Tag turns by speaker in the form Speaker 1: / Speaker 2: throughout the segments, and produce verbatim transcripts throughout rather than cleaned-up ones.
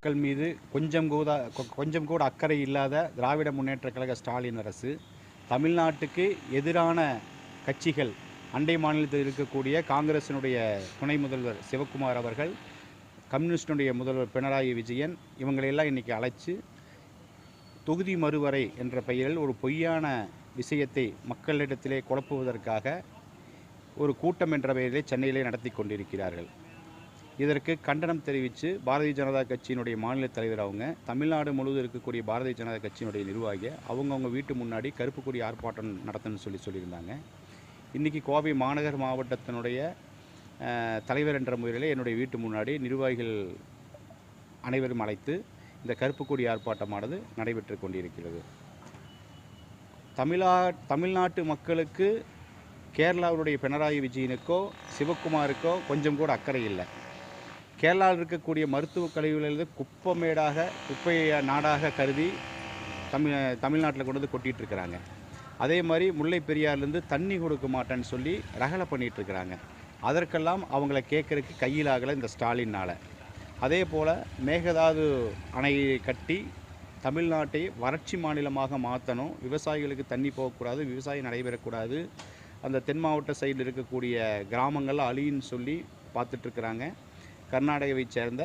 Speaker 1: மக்கள் மீது கொஞ்சம் கூட கொஞ்சம் கூட அக்கறை இல்லாத திராவிட முன்னேற்றக் கழக ஸ்டாலின் அரசு தமிழ்நாட்டுக்கு எதிரான கட்சிகள், அண்டை மாநிலத்தில் இருக்கக்கூடிய காங்கிரசினுடைய துணை முதல்வர் சிவக்குமார் அவர்கள், கம்யூனிஸ்டினுடைய முதல்வர் பினராயி விஜயன் இவங்களையெல்லாம் இன்றைக்கி அழைச்சி தொகுதி மறுவரை என்ற பெயரில் ஒரு பொய்யான விஷயத்தை மக்களிடத்திலே குழப்புவதற்காக ஒரு கூட்டம் என்ற பெயரிலே சென்னையிலே நடத்தி கொண்டிருக்கிறார்கள். இதற்கு கண்டனம் தெரிவித்து பாரதிய ஜனதா கட்சியினுடைய மாநில தலைவர் அவங்க தமிழ்நாடு முழுவதும் இருக்கக்கூடிய பாரதிய ஜனதா கட்சியினுடைய நிர்வாகியை அவங்கவுங்க வீட்டு முன்னாடி கருப்பு கொடி ஆர்ப்பாட்டம் நடத்தணும்னு சொல்லி சொல்லியிருந்தாங்க. இன்றைக்கி கோவை மாநகர் மாவட்டத்தினுடைய தலைவர் என்ற முறையில் என்னுடைய வீட்டு முன்னாடி நிர்வாகிகள் அனைவரும் அழைத்து இந்த கருப்பு கொடி ஆர்ப்பாட்டமானது நடைபெற்று கொண்டிருக்கிறது. தமிழா தமிழ்நாட்டு மக்களுக்கு கேரளாவுடைய பினராயி விஜயனுக்கோ சிவக்குமாருக்கோ கொஞ்சம் கூட அக்கறை இல்லை. கேரளாவில் இருக்கக்கூடிய மருத்துவக் கழிவுகளிலிருந்து குப்பமேடாக குப்பையை நாடாக கருதி தமிழ் தமிழ்நாட்டில் கொண்டு வந்து கொட்டிகிட்டு இருக்கிறாங்க. அதே மாதிரி முல்லை பெரியார்லேருந்து தண்ணி கொடுக்க மாட்டேன்னு சொல்லி ரகலை பண்ணிகிட்ருக்கிறாங்க. அதற்கெல்லாம் அவங்கள கேட்குறதுக்கு கையிலாகலை இந்த ஸ்டாலினால். அதே போல் மேகதாது அணையை கட்டி தமிழ்நாட்டை வறட்சி மாநிலமாக மாற்றணும், விவசாயிகளுக்கு தண்ணி போகக்கூடாது, விவசாயம் நடைபெறக்கூடாது, அந்த தென் மாவட்ட சைடில் இருக்கக்கூடிய கிராமங்கள் அழின்னு சொல்லி பார்த்துட்ருக்குறாங்க கர்நாடகாவை சேர்ந்த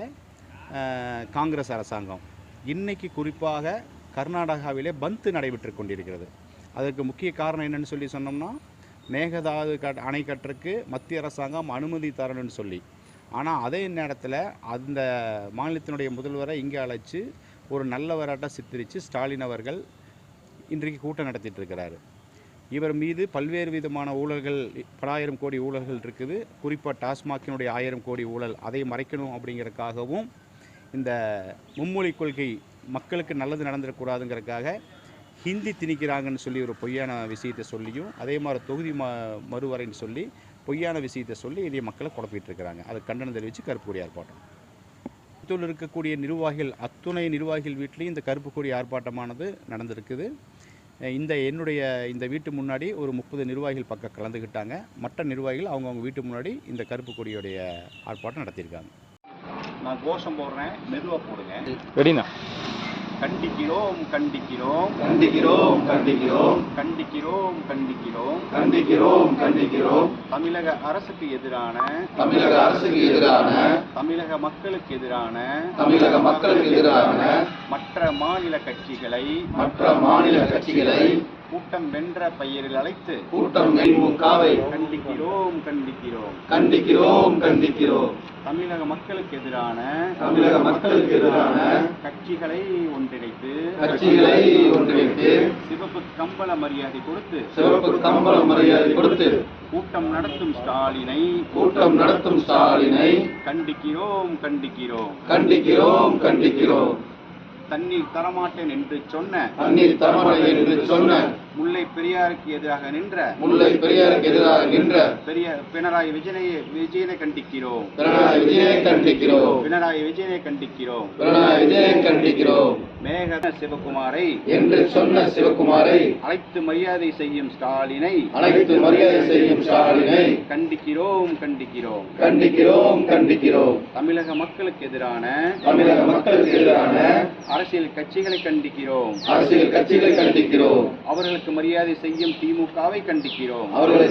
Speaker 1: காங்கிரஸ் அரசாங்கம். இன்றைக்கி குறிப்பாக கர்நாடகாவிலே பந்த் நடைபெற்று கொண்டிருக்கிறது. அதற்கு முக்கிய காரணம் என்னென்னு சொல்லி சொன்னோம்னா, மேகதாது கட் அணை கட்டுறதுக்கு மத்திய அரசாங்கம் அனுமதி தரணும்னு சொல்லி. ஆனால் அதே நேரத்தில் அந்த மாநிலத்தினுடைய முதல்வரை இங்கே அழைச்சி ஒரு நல்லவராட்ட சித்தரித்து ஸ்டாலின் அவர்கள் இன்றைக்கு கூட்டம் நடத்திட்டு இருக்கிறாரு. இவர் மீது பல்வேறு விதமான ஊழல்கள், பலாயிரம் கோடி ஊழல்கள் இருக்குது. குறிப்பாக டாஸ்மாகினுடைய ஆயிரம் கோடி ஊழல், அதை மறைக்கணும் அப்படிங்கிறதுக்காகவும் இந்த மும்மொழி கொள்கை மக்களுக்கு நல்லது நடந்துடக்கூடாதுங்கிறதுக்காக ஹிந்தி திணிக்கிறாங்கன்னு சொல்லி ஒரு பொய்யான விஷயத்தை சொல்லியும், அதே மாதிரி தொகுதி ம மறுவரைன்னு சொல்லி பொய்யான விஷயத்தை சொல்லி இந்திய மக்களை குழப்பிட்டு இருக்கிறாங்க. அது கண்டனம் தெரிவித்து கருப்பு கொடி ஆர்ப்பாட்டம். புத்தூரில் இருக்கக்கூடிய நிர்வாகிகள் அத்துணை நிர்வாகிகள் வீட்லேயும் இந்த கருப்பு கொடி ஆர்ப்பாட்டமானது நடந்திருக்குது. இந்த என்னுடைய இந்த வீட்டு முன்னாடி ஒரு முப்பது நிர்வாகிகள் பக்கம் கலந்துக்கிட்டாங்க. மற்ற நிர்வாகிகள் அவங்கவுங்க வீட்டு முன்னாடி இந்த கருப்பு கொடியோடைய ஆர்ப்பாட்டம் நடத்தியிருக்காங்க. நான் கோஷம் போடுறேன், மெதுவாக போடுங்க.
Speaker 2: ரெடினா?
Speaker 3: கண்டிக்கிறோம் கண்டிக்கிறோம்
Speaker 4: கண்டிக்கிறோம் கண்டிக்கிறோம்
Speaker 3: கண்டிக்கிறோம் கண்டிக்கிறோம்
Speaker 4: கண்டிக்கிறோம் கண்டிக்கிறோம்
Speaker 3: தமிழக அரசுக்கு எதிரான
Speaker 4: தமிழக அரசுக்கு எதிரான
Speaker 3: தமிழக மக்களுக்கு எதிரான
Speaker 4: தமிழக மக்களுக்கு எதிரான
Speaker 3: மற்ற மாநில கட்சிகளை
Speaker 4: மற்ற மாநில கட்சிகளை
Speaker 3: கூட்டம் வென்ற பெயரில் அழைத்து
Speaker 4: கூட்டம் திமுகவை
Speaker 3: கண்டிக்கிறோம் கண்டிக்கிறோம்
Speaker 4: கண்டிக்கிறோம் கண்டிக்கிறோம்
Speaker 3: தமிழக மக்களுக்கு எதிரான
Speaker 4: தமிழக மக்களுக்கு எதிரான
Speaker 3: கட்சிகளை ஒன்றிணைத்து
Speaker 4: கட்சிகளை ஒன்றிணைத்து
Speaker 3: சிவப்பு கம்பள மரியாதை கொடுத்து
Speaker 4: சிவப்பு கம்பள மரியாதை கொடுத்து
Speaker 3: கூட்டம் நடத்தும் ஸ்டாலினை
Speaker 4: கூட்டம் நடத்தும் ஸ்டாலினை
Speaker 3: கண்டிக்கிறோம் கண்டிக்கிறோம்
Speaker 4: கண்டிக்கிறோம் கண்டிக்கிறோம்
Speaker 3: தண்ணீர் தரமாட்டேன் என்று சொன்ன
Speaker 4: தண்ணீர் தரமாட்டேன் என்று சொன்ன
Speaker 3: முல்லை பெரியாருக்கு எதிராக நின்ற
Speaker 4: முல்லை பெரியாருக்கு எதிராக நின்ற
Speaker 3: பெரிய பினராயி விஜயனை விஜயனை கண்டிக்கிறோம்
Speaker 4: பினராயி விஜயனை கண்டிக்கிறோம்
Speaker 3: பினராயி விஜயனை கண்டிக்கிறோம்
Speaker 4: பினராயி விஜயனை கண்டிக்கிறோம்
Speaker 3: மேகத சிவகுமாரை
Speaker 4: என்று சொன்ன சிவகுமாரை
Speaker 3: அழைத்து மரியாதை செய்யும் ஸ்டாலினை
Speaker 4: அழைத்து மரியாதை செய்யும் ஸ்டாலினை
Speaker 3: கண்டிக்கிறோம் கண்டிக்கிறோம்
Speaker 4: கண்டிக்கிறோம் கண்டிக்கிறோம்
Speaker 3: தமிழக மக்களுக்கு எதிரான
Speaker 4: தமிழக மக்களுக்கு எதிரான
Speaker 3: அரசியல் கட்சிகளை கண்டிக்கிறோம்
Speaker 4: அரசியல் கட்சிகளை கண்டிக்கிறோம்
Speaker 3: அவர்களுக்கு மரியாதை செய்யும் திமுகவை கண்டிக்கிறோம்
Speaker 4: அவர்களை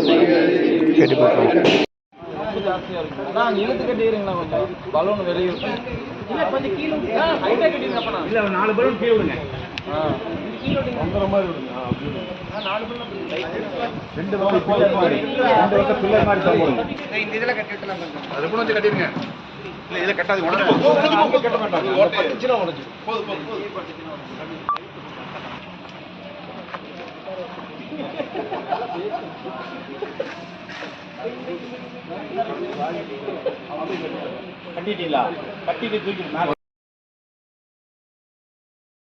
Speaker 2: இழுத்து கட்டிடுறீங்களா? கொஞ்சம் பலூன் வெளியே
Speaker 1: நாலு பலூன் கீழே விடுங்க. ரெண்டு பக்கம் ரெண்டு பக்கம் பில்லர் மாதிரி போடுங்க.
Speaker 3: இந்த இதெல்லாம் கட்டிடலாம்.
Speaker 1: அது கூட வந்து கட்டிடுங்க. இல்லை இதில் கட்டாது, உடனே கட்ட மாட்டாங்க. போதும் போதும் கட்டிட்டீங்களா? கட்டிட்டு தூக்கி